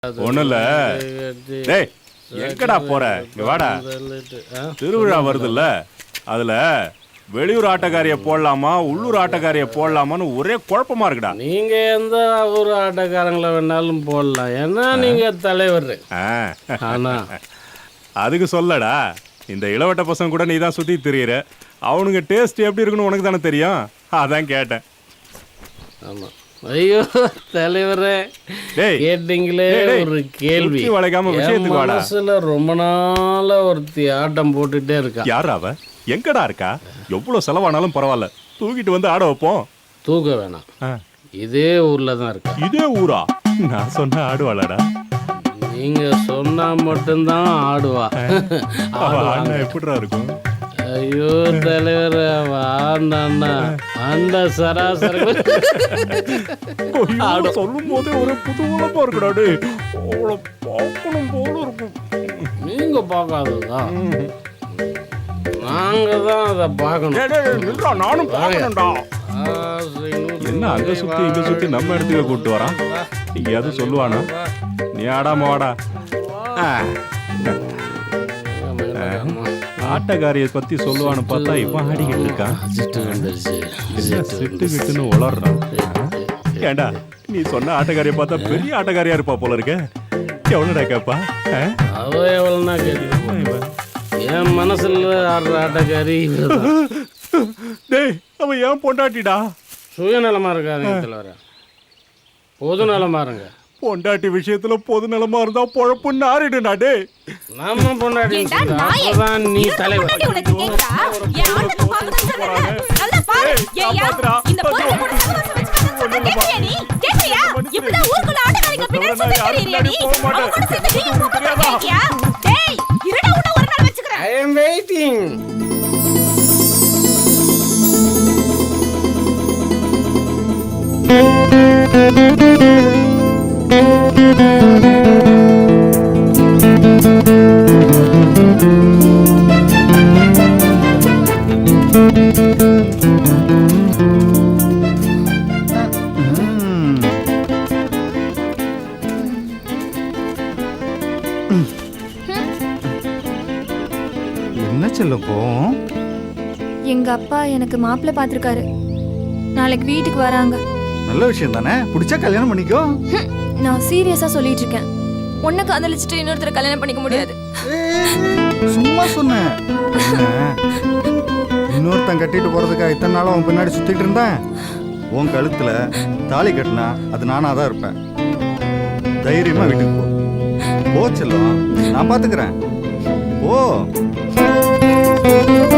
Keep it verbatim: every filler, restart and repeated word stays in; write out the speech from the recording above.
ஒண்ணும் இல்ல. டேய் எங்கடா போற? இங்க வாடா. திருவிழா வருதுல்ல, அதுல வெளியூர் ஆட்டக்காரிய போடலாமா உள்ளூர் ஆட்டக்காரிய போடலாமான்னு ஒரே குழப்பமா இருக்குடா. நீங்க எந்த ஊர் ஆட்டக்காரங்களை வேணாலும் போடலாம், ஏன்னா நீங்க தலைவர். ஆனா அதுக்கு சொல்லடா, இந்த இளவட்ட பசங்க கூட நீ தான் சுத்தி திரியிற, அவனுங்க டேஸ்ட் எப்படி இருக்குன்னு உனக்கு தானே தெரியும், அதான் கேட்டேன். ஆமா. ஐயோ தலைவரே, கேட்டீங்களே ஒரு கேள்வி. வளைக்காம விஷயத்துக்கு வாடா. மனசுல ரொம்ப நாளா ஒருத்தி ஆட்டம் போட்டுட்டே இருக்கா. யார் அவ? எங்கடா இருக்கா? எவ்வளவு செலவானாலும் பரவாயில்ல, தூக்கிட்டு வந்து ஆட வைப்போம். தூக்க வேணாம், இதே ஊர்ல தான் இருக்கு. இதே ஊரா? நான் சொன்ன ஆடுவாளடா. நீங்க சொன்னா மட்டும்தான் ஆடுவா. எப்படிடா இருக்கும்? ஐயோ தலைவர், வாண்டா அந்த சராசரி சொல்லும் போதே ஒரு புதுவளப்பா இருக்குடாடு, அவளை பார்க்கணும் போல இருக்கும். நீங்க பார்க்காததா? நாங்க தான் அதை பார்க்கணும். நானும் பார்க்கணும்டா. என்ன அங்க சுத்தி இங்க சுத்தி நம்ம இடத்துக்கு கூப்பிட்டு வரான்? எங்கேயாவது சொல்லுவானா? நீ ஆடாம வாடா. ஆட்டக்காரிய பத்தி சொல்லுவான்னு பார்த்தா இவன் ஆடிக்கிட்டு இருக்கான். சிட்டு கிட்டுன்னு உளறான். ஏண்டா நீ சொன்ன ஆட்டக்காரிய பார்த்தா பெரிய ஆட்டக்காரியா இருப்பா போல இருக்க. எவ்வளோடா கேப்பா? அவ எவ்வளோனா கேட்க, என் மனசுல ஆடுற ஆட்டக்காரி. டேய் அவன் ஏன் பொண்டாட்டிடா? சுயநலமா இருக்காருங்க தலைவர, பொது நலமா இருங்க. பொண்டாட்டி விஷயத்துல பொது நலமா இருந்தா பொழப்பு நாரிடுடா. டே நாம பொண்டாட்டி தான் நீ தலைவர். I am waiting. என்ன செல்லப்போ? எங்க அப்பா எனக்கு மாப்பிள்ளை பார்த்திருக்காரு, நாளைக்கு வீட்டுக்கு வராங்க. நல்ல விஷயம் தானே, பிடிச்சா கல்யாணம் பண்ணிக்கோ. நான் சீரியஸா சொல்லிட்டு இருக்கேன். உன்னை காதலிச்சுட்டு இன்னொருத்தர கல்யாணம் பண்ணிக்க முடியாது. சும்மா சொன்னேன். இன்னொருத்தன் கட்டிட்டு போறதுக்காக இத்தனை நாளும் அவன் பின்னாடி சுத்திட்டு இருந்தேன். உன் கழுத்துல தாலி கட்டினா அது நானா தான் இருப்பேன். தைரியமா வீட்டுக்கு போ. போ செல்லம், நான் பாத்துக்கிறேன். ஓ